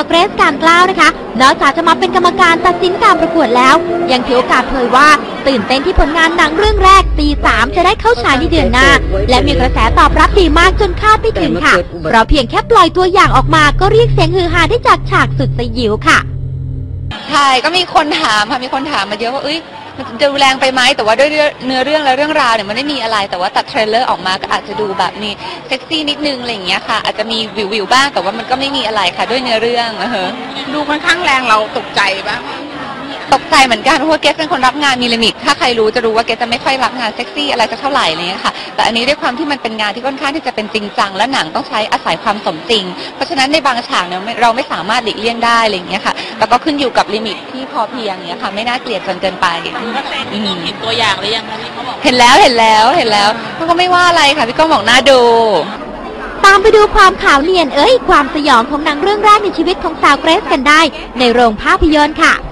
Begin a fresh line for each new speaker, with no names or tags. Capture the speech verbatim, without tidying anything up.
าวเกรซการกล้าวนะคะนอกจากจะมาเป็นกรรมการตัดสินการประกวดแล้วยังถือโอกาสเผยว่าตื่นเต้นที่ผลงานหนังเรื่องแรกตีสามจะได้เข้าฉายในเดือนหน้าและมีกระแสตอบรับดีมากจนคาดไม่ถึงค่ะเพราะเพียงแค่ปล่อยตัวอย่างออกมาก็เรียกเสียงฮือฮาได้จากฉากสุดสยิวค่ะ
ใช่ก็มีคนถามค่ะมีคนถามมาเยอะว่าเอ้ยมันจะดูแรงไปไหมแต่ว่าด้วยเนื้อเรื่องและเรื่องราวเนี่ยมันไม่มีอะไรแต่ว่าตัดเทรลเลอร์ออกมาก็อาจจะดูแบบมีเซ็กซี่นิดนึงอะไรอย่างเงี้ยค่ะอาจจะมีวิววิวบ้างแต่ว่ามันก็ไม่มีอะไรค่ะด้วยเนื้อเรื่องเออ
ดูค่อนข้างแรงเราตกใจบ้าง
ตกใจเหมือนกันเพราะว่าเกสเป็นคนรับงานมีลิมิตถ้าใครรู้จะรู้ว่าเกสจะไม่ค่อยรับงานเซ็กซี่อะไรสักเท่าไหร่อะไรเงี้ยค่ะแต่อันนี้ด้วยความที่มันเป็นงานที่ค่อนข้างที่จะเป็นจริงจังและหนังต้องใช้อาศัยความสมจริงเพราะฉะนั้นในบางฉากเนี่ยเราไม่สามารถหลีกเลี่ยงได้อะไรเงี้ยค่ะแต่ก็ขึ้นอยู่กับลิมิตที่พอเพียงเงี้ยค่ะไม่น่าเกลียดจนเกินไป
เห็นตัวอย่างหรือยังคะพี่เขาบอก
เห็นแล้วเห็นแล้วเห็นแล้วเขาก็ไม่ว่าอะไรค่ะพี่ก้องบอกน่าดู
ตามไปดูความขาวเนียนเอ้ยความสยองของหนังเรื่องแรกในชีวิตของสาวเกรซกันได้ในโรงภาพยนตร์ค่ะ